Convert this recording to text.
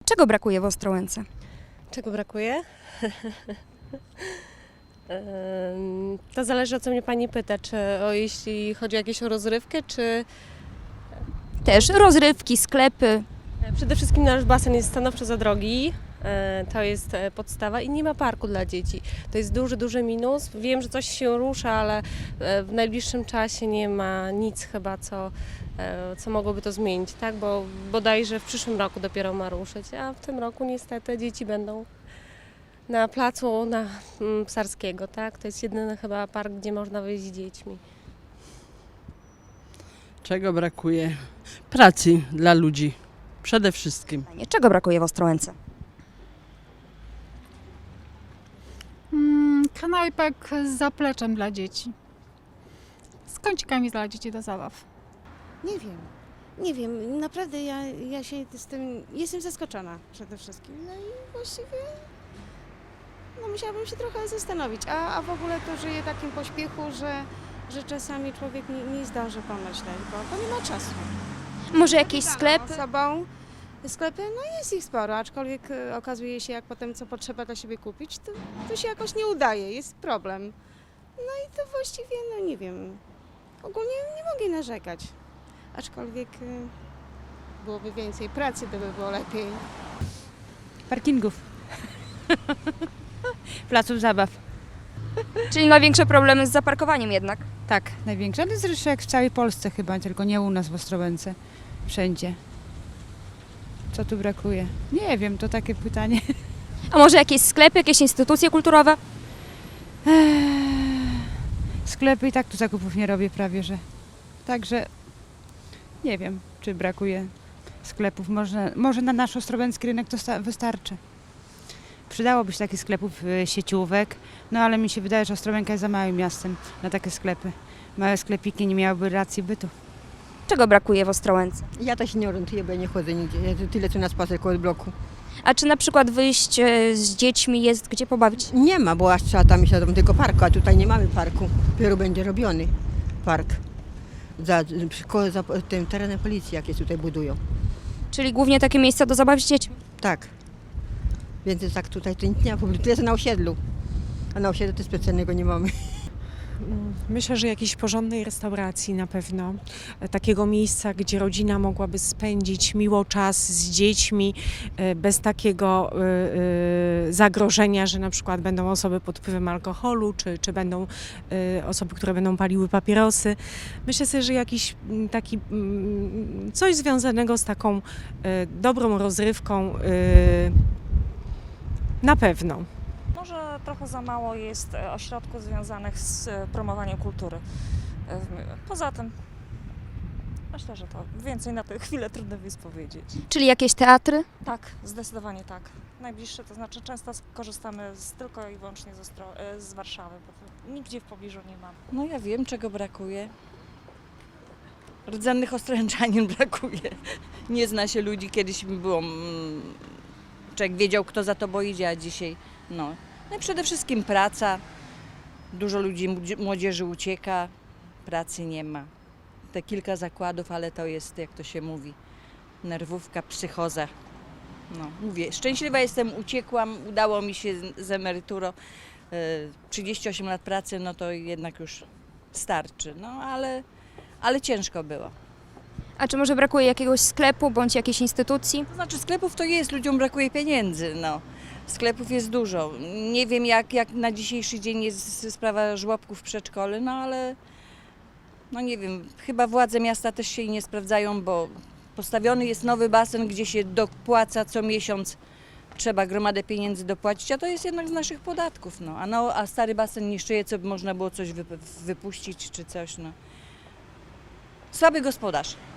Czego brakuje w Ostrołęce? Czego brakuje? To zależy, o co mnie pani pyta, czy jeśli chodzi o jakąś rozrywkę, czy Też rozrywki, sklepy. przede wszystkim nasz basen jest stanowczo za drogi. To jest podstawa i nie ma parku dla dzieci. To jest duży minus. Wiem, że coś się rusza, ale w najbliższym czasie nie ma nic chyba, co mogłoby to zmienić, tak? Bo bodajże w przyszłym roku dopiero ma ruszyć, a w tym roku niestety dzieci będą na placu Psarskiego, tak? To jest jedyny chyba park, gdzie można wyjść z dziećmi. Czego brakuje? Pracy dla ludzi. Przede wszystkim. Czego brakuje w Ostrołęce? Knajpek z zapleczem dla dzieci. Z kącikami dla dzieci do zabaw. Nie wiem, naprawdę ja się z tym, jestem zaskoczona przede wszystkim. No i właściwie musiałabym się trochę zastanowić, a w ogóle to żyję w takim pośpiechu, że czasami człowiek nie zdąży pomyśleć, bo nie ma czasu. Może jakieś sklepy? Sobą sklepy, no jest ich sporo, aczkolwiek okazuje się, jak potem co potrzeba dla siebie kupić, to się jakoś nie udaje, jest problem. No i to właściwie, no nie wiem, ogólnie nie mogę narzekać, aczkolwiek byłoby więcej pracy, to by było lepiej. Parkingów. Placów zabaw. Czyli największe problemy z zaparkowaniem jednak. Tak, największe. Ale zresztą jak w całej Polsce chyba, tylko nie u nas w Ostrołęce. Wszędzie. Co tu brakuje? Nie wiem, to takie pytanie. A może jakieś sklepy, jakieś instytucje kulturowe? Sklepy i tak tu zakupów nie robię prawie, że. Także nie wiem, czy brakuje sklepów. Może na nasz ostrołęcki rynek to wystarczy. Przydałoby się takich sklepów, sieciówek, no ale mi się wydaje, że Ostrołęka jest za małym miastem na takie sklepy. Małe sklepiki nie miałyby racji bytu. Czego brakuje w Ostrołęce? Ja też się nie orientuję, bo ja nie chodzę nigdzie. Ja tyle co na spacer koło bloku. A czy na przykład wyjść z dziećmi jest gdzie pobawić? Nie ma, bo aż trzeba tam iść do tego parku, a tutaj nie mamy parku. Dopiero będzie robiony park. Za tym terenem policji, jakie tutaj budują. Czyli głównie takie miejsca do zabawy z dziećmi. Tak. Więc tak tutaj to nic nie ma. Tu jest na osiedlu. A na osiedlu to specjalnego nie mamy. Myślę, że jakiejś porządnej restauracji na pewno, takiego miejsca, gdzie rodzina mogłaby spędzić miło czas z dziećmi, bez takiego zagrożenia, że na przykład będą osoby pod wpływem alkoholu, czy będą osoby, które będą paliły papierosy. Myślę sobie, że jakiś taki coś związanego z taką dobrą rozrywką na pewno. Może trochę za mało jest ośrodków związanych z promowaniem kultury. Poza tym myślę, że to więcej na tę chwilę trudno jest powiedzieć. Czyli jakieś teatry? Tak, zdecydowanie tak. Najbliższe, to znaczy często korzystamy tylko i wyłącznie z Warszawy, bo to nigdzie w pobliżu nie ma. No ja wiem, czego brakuje. Rdzennych Ostręczanin brakuje. Nie zna się ludzi, kiedyś mi było, człowiek wiedział, kto za tobą idzie, a dzisiaj no. No i przede wszystkim praca. Dużo ludzi, młodzieży ucieka, pracy nie ma. Te kilka zakładów, ale to jest, jak to się mówi, nerwówka, psychoza. No, mówię, szczęśliwa jestem, uciekłam, udało mi się z emeryturą. 38 lat pracy, no to jednak już starczy, no ale ciężko było. A czy może brakuje jakiegoś sklepu bądź jakiejś instytucji? To znaczy sklepów to jest, ludziom brakuje pieniędzy, no. Sklepów jest dużo. Nie wiem jak na dzisiejszy dzień jest sprawa żłobków w przedszkolu, no ale no nie wiem, chyba władze miasta też się nie sprawdzają, bo postawiony jest nowy basen, gdzie się dopłaca co miesiąc, trzeba gromadę pieniędzy dopłacić, a to jest jednak z naszych podatków, no. A stary basen niszczyje, co by można było coś wypuścić czy coś, no. Słaby gospodarz.